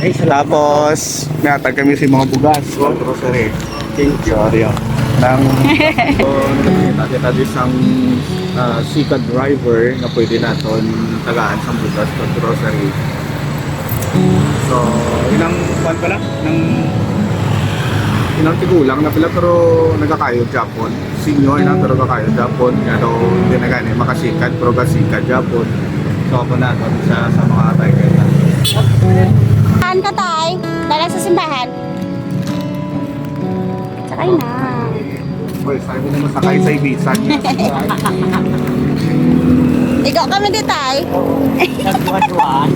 Tapos, may atag kami si mga bugas. Grocery. Thank you. Sorry. Nang nakita isang sikat driver na pwede natin tagaan sa bugas sa grocery. So, ilang buwan pala? Ilang tigulang na pala pero nagkakayod Japon. Senior na pero kakayod Japon. Ano, hindi na gani makasikat pero kasikat Japon. So, ako na ito sa mga tiger na. Saan ka tay? Dala sa simbahan? Sakay na. Well, sabi mo naman sakay sa ibisan. Ikaw kami di tay. Nagduwa-duwaan.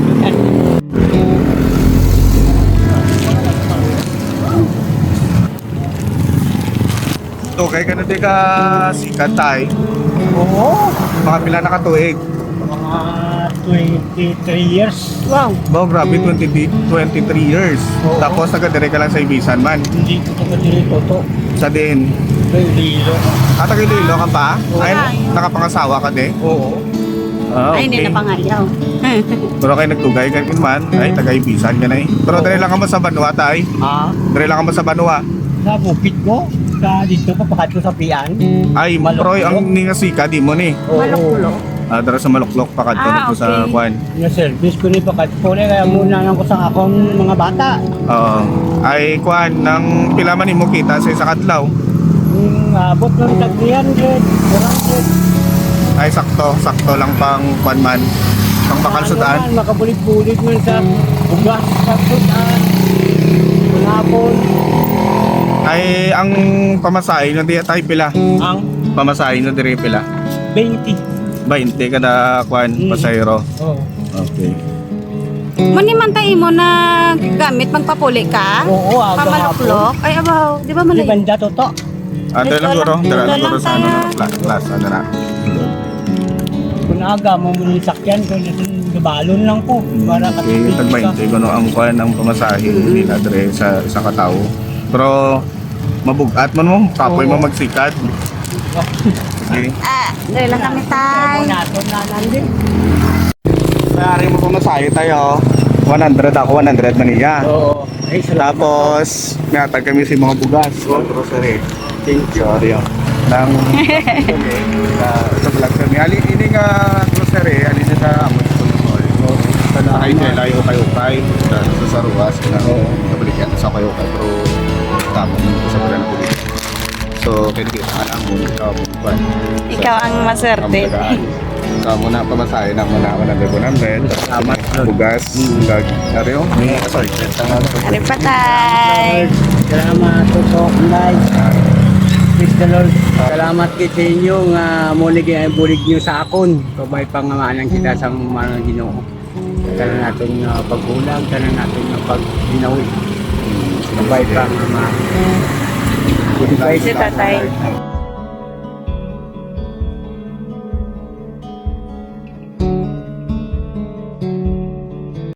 Okay ka na di ka sikat tay. Oo. Mga pila nakatuig. Mga 23 years. Wow. Bao, grabe, 23 years. Oo. Tapos taga-dire ka lang sa ibisan man. Hindi ko ito dito to. Sa din. Lilo. Taga-Iloilo ka pa? Oo. Ay, nakapangasawa ka di? Oo. Ay, hindi na pangayaw. Pero kayo nagtugay ka man, ay taga-ibisan ka na eh. Pero dire lang ka mo sa Banua tay. Ah, Dire lang ka mo sa Banua. sa bukid ko. Sa dito papakat ko sa pian. Ay, Maluklok. Troy, ang ningasika di mo ni. Maluklok. Dara sa Maluklok pa kadto Ah, dito sa okay. Kwan. Na-service ko ni pakat ko. Kaya muna lang ko sa akong mga bata. Oo. Ay Kwan, nang pila man mo kita sa isa kadlaw. Yung abot ng tag 300, 400. Ay sakto lang pang Kwan man. Pang bakal sudan. Makabulit-bulit man sa ugas, sa sudan. Manapon. Ay ang pamasahe no di tay pila. Ang Pamasahe no dire pila. 20. 20 kada Kwan pasayro. Oo. Okay. Muni man tayo mo na gamit magpapuli ka? Oo, aga Pamaluklok? Ay, abaw. Di ba Di malay? banda to to. Dala lang guro, dala lang guro sa ano, tayo. class ano na. Kung aga mo muna yung sakyan ko, gabalon lang po. Para Okay, tag 20 kuno ang Kwan ang pamasahe nila dire sa katao. Pero mabugat man mo, kapoy mo magsikat. Okay. Ah, dali lang kami tay. Nato na nandun. Mayari mo pamasahe tayo. 100 ako, 100 man niya. Oo. Ay, salamat. Tapos, may atag kami si mga bugas. Grocery. Thank you. Sorry. Nang, okay. Sa vlog kami. Alin ini nga grocery, alin na sa Amon School Mall. Sa nakay nila, yung ukay-ukay. Sa ruwas. Nabalikan sa ukay-ukay. Pero, tapos sa pala na pulit. So, kinikita ka lang muna. Ikaw ang maswerte. Ikaw muna pamasahe ng muna 100. Salamat. Bugas. Ariyo? Sorry. Ari pa tay. Salamat to live. Praise the Lord. Salamat kay sa inyo nga muli kay bulig niyo sa akon. Kabay pangamanan kita sa mga Ginoo. Tanan natin pagbulag, tanan natin pagginawi. Kabay pangamanan. Si tatay.